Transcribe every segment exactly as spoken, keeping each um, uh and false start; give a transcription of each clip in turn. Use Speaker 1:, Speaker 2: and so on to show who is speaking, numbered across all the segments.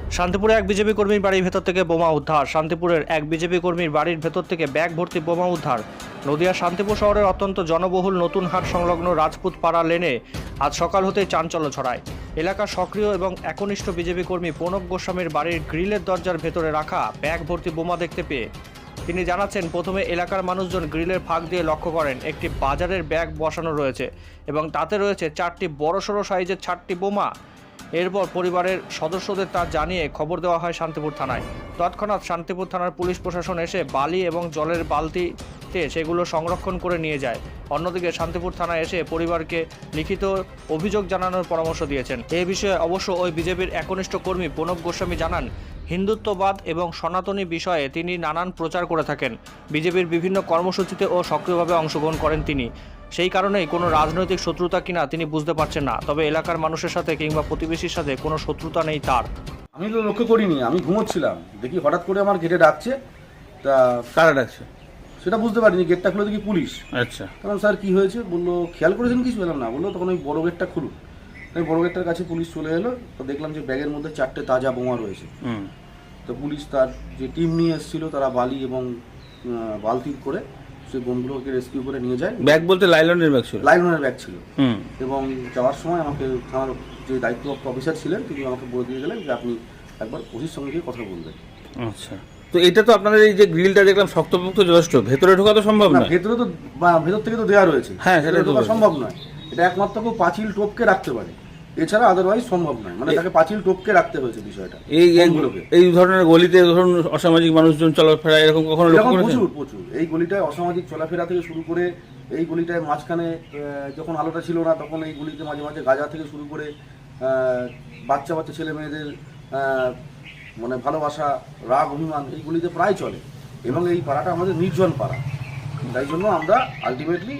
Speaker 1: শান্তিপুরে এক বিজেপি কর্মীর বাড়ির ভেতর থেকে বোমা উদ্ধার। শান্তিপুরের এক বিজেপি কর্মীর বাড়ির ভেতর থেকে ব্যাগ ভর্তি বোমা উদ্ধার। নদিয়ার শান্তিপুর শহরের অত্যন্ত জনবহুল নতুন হাট সংলগ্ন রাজপুত পাড়া লেনে আজ সকাল হতেই চাঞ্চল্য ছড়ায়। এলাকার সক্রিয় এবং একনিষ্ঠ বিজেপি কর্মী প্রণব গোস্বামীর বাড়ির গ্রিলের দরজার ভেতরে রাখা ব্যাগ ভর্তি বোমা দেখতে পেয়ে তিনি জানাচ্ছেন, প্রথমে এলাকার মানুষজন গ্রিলের ফাঁক দিয়ে লক্ষ্য করেন একটি বাজারের ব্যাগ বসানো রয়েছে এবং তাতে রয়েছে চারটি বড়সড় সাইজের চারটি বোমা। এরপর পরিবারের সদস্যদের তা জানিয়ে খবর দেওয়া হয় শান্তিপুর থানায়। তৎক্ষণাৎ শান্তিপুর থানার পুলিশ প্রশাসন এসে বালি এবং জলের বালতিতে সেগুলো সংরক্ষণ করে নিয়ে যায়। অন্যদিকে শান্তিপুর থানায় এসে পরিবারকে লিখিত অভিযোগ জানানোর পরামর্শ দিয়েছেন। এ বিষয়ে অবশ্য ওই বিজেপির একনিষ্ঠ কর্মী প্রণব গোস্বামী জানান, হিন্দুত্ববাদ এবং সনাতনী বিষয়ে তিনি নানান প্রচার করে থাকেন। বিজেপির বিভিন্ন কর্মসূচিতে ও সক্রিয়ভাবে অংশগ্রহণ করেন তিনি। সেই কারণেই কোনো রাজনৈতিক শত্রুতা কিনা তিনি বুঝতে পারছেন না। তবে এলাকার মানুষের সাথে কিংবা প্রতিবেশীর সাথে কোনো শত্রুতা নেই তার।
Speaker 2: আমি তো লক্ষ্য করিনি, আমি ঘুমোচ্ছিলাম, দেখি হঠাৎ করে আমার গেটে ডাকছে। তা
Speaker 3: কারা ডাকছে
Speaker 2: সেটা বুঝতে পারিনি, গেটটা খুলে দেখি পুলিশ।
Speaker 3: আচ্ছা,
Speaker 2: কারণ স্যার কি হয়েছে বললো, খেয়াল করেছেন কিছু বললাম না, বললো তখন ওই বড় গেটটা খুলুন। তাই বড় গেটটার কাছে পুলিশ চলে এলো, তো দেখলাম যে ব্যাগের মধ্যে চারটে তাজা বোমা রয়েছে।
Speaker 3: হুম
Speaker 2: তো পুলিশ তার যে টিম নিয়ে এসেছিল তারা বালি এবং বালতি করে সেই বোমগুলোকে রেস্কিউ করে নিয়ে যায়।
Speaker 3: ব্যাগ বলতে লাইলনের ব্যাগ ছিল?
Speaker 2: লাইলনের ব্যাগ ছিল।
Speaker 3: হুম
Speaker 2: এবং যাওয়ার সময় আমাকে থানার যে দায়িত্বপ্রাপ্ত অফিসার ছিলেন তিনি আমাকে বলে দিয়ে গেলেন যে আপনি একবার ওসির সঙ্গে গিয়ে কথা বলবেন।
Speaker 3: আচ্ছা, তো এটা তো আপনাদের এই যে গ্রিলটা দেখলাম শক্তপোক্ত যথেষ্ট, ভেতরে ঢোকা তো সম্ভব
Speaker 2: না,
Speaker 3: নয়।
Speaker 2: ভেতরে তো বা- ভেতর থেকে তো দেওয়া রয়েছে,
Speaker 3: হ্যাঁ, সেটা তো
Speaker 2: ঢোকা
Speaker 3: বলছি।
Speaker 2: সম্ভব নয়। এটা একমাত্র কেউ পাঁচিল টপকে রাখতে পারে, এছাড়া আদারওয়াইজ সম্ভব নয়। মানে তাকে পাঁচিল টপকে রাখতে হয়েছে বিষয়টা।
Speaker 3: এই এই-
Speaker 2: বোমগুলোকে
Speaker 3: এই ধরনের গলিতে ধরুন অসামাজিক মানুষজন চলাফেরা এরকম কখনো লক্ষ্য
Speaker 2: এরকম
Speaker 3: করেছেন?
Speaker 2: প্রচুর প্রচুর এই গলিটায় অসামাজিক চলাফেরা থেকে শুরু করে, এই গলিটায় মাঝখানে আহ, যখন আলোটা ছিল না তখন এই গলিতে মাঝে মাঝে গাঁজা থেকে শুরু করে আহ, বাচ্চা বাচ্চা ছেলে মেয়েদের আহ, মানে ভালোবাসা, রাগ, অভিমান এই গলিতে প্রায় চলে। এবং এই পাড়াটা আমাদের নির্জন পাড়া, তাই জন্য আমরা আলটিমেটলি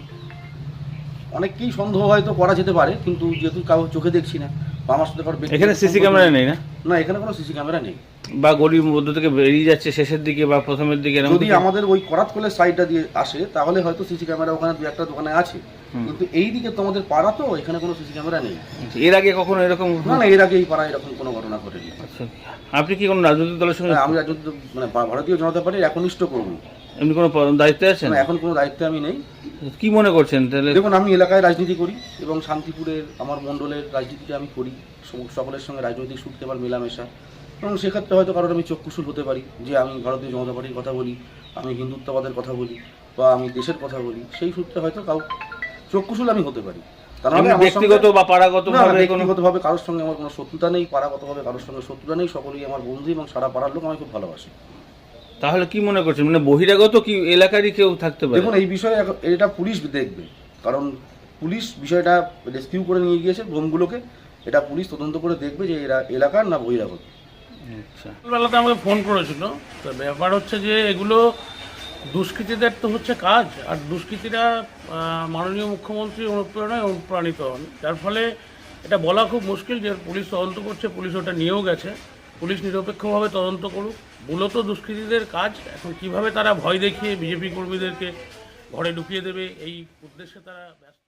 Speaker 2: অনেককেই সন্দেহ হয়তো করা যেতে পারে, কিন্তু যেহেতু কাউ চোখে দেখছি না বা আমার সাথে কারো ব্যক্তিগত
Speaker 3: এখানে সিসি
Speaker 2: সম্পর্ক
Speaker 3: ক্যামেরা নেই না?
Speaker 2: না, এখানে কোনো সিসি ক্যামেরা নেই।
Speaker 3: বা গলির মধ্য থেকে বেরিয়ে যাচ্ছে শেষের দিকে বা প্রথমের দিকে এরকম
Speaker 2: যদি
Speaker 3: কিছু?
Speaker 2: আমাদের ওই করাতকলের সাইডটা দিয়ে আসে তাহলে হয়তো সিসি ক্যামেরা ওখানে দু একটা দোকানে আছে, কিন্তু এই দিকে তো আমাদের পাড়া, তো এখানে কোনো সিসি ক্যামেরা নেই।
Speaker 3: এর আগে কখনো এরকম?
Speaker 2: না না, এর আগে এই পাড়ায় এরকম কোনো ঘটনা ঘটেনি।
Speaker 3: আচ্ছা, আপনি কি কোনো রাজনৈতিক দলের সঙ্গে
Speaker 2: হ্যাঁ, আমি রাজনৈতিক মানে ভা- ভারতীয় জনতা পার্টির একনিষ্ঠ কর্মী।
Speaker 3: এমনি কোনো প- দায়িত্বে আছেন?
Speaker 2: মানে এখন কোনো দায়িত্বে আমি নেই।
Speaker 3: কি মনে করছেন তাহলে?
Speaker 2: দেখুন, আমি এলাকায় রাজনীতি করি এবং শান্তিপুরের আমার মণ্ডলের রাজনীতিটা আমি করি, সব- সকলের সঙ্গে রাজনৈতিক সূত্রে আমার মেলামেশা। এবং সেক্ষেত্রে হয়তো কারোর আমি চক্ষুশূল হতে পারি যে আমি ভারতীয় জনতা পার্টির কথা বলি, আমি হিন্দুত্ববাদের কথা বলি বা আমি দেশের কথা বলি, সেই সূত্রে হয়তো কাউ চক্ষুশূল আমি হতে পারি। তা নাহলে
Speaker 3: এমনি
Speaker 2: আমার
Speaker 3: ব্যক্তিগত
Speaker 2: সঙ্গে-
Speaker 3: বা পাড়াগত
Speaker 2: না, না,
Speaker 3: ভাবে কোনো?
Speaker 2: ব্যক্তিগতভাবে কারোর সঙ্গে আমার কোনো শত্রুতা নেই, পাড়াগতভাবে কারোর সঙ্গে শত্রুতা নেই, সকলেই আমার বন্ধু এবং সারা পাড়ার লোক আমাকে খুব ভালোবাসে।
Speaker 3: তাহলে কি মনে করছেন, মানে বহিরাগত কি এলাকারই কেউ থাকতে পারে?
Speaker 2: দেখুন, এই বিষয়ে এখন- এটা পুলিশ দেখবে, কারণ পুলিশ বিষয়টা রেস্কিউ করে নিয়ে গিয়েছে বোমগুলোকে। এটা পুলিশ তদন্ত করে দেখবে যে এরা এলাকার না বহিরাগত।
Speaker 3: আচ্ছা,
Speaker 4: বেলাতে আমাকে ফোন করেছিল। তো ব্যাপার হচ্ছে যে এগুলো দুষ্কৃতীদের তো হচ্ছে কাজ, আর দুষ্কৃতীরা আহ, মাননীয় মুখ্যমন্ত্রীর অনুপ্রেরণায় অনুপ্রাণিত হন, যার ফলে এটা বলা খুব মুশকিল যে পুলিশ তদন্ত করছে, পুলিশ ওটা নিয়েও গেছে। পুলিশ নিরপেক্ষভাবে তদন্ত করুক। মূলত দুষ্কৃতীদের কাজ, এখন কিভাবে তারা ভয় দেখিয়ে বিজেপি কর্মীদেরকে ঘরে ঢুকিয়ে দেবে এই উদ্দেশ্যে তারা ব্যস্ত।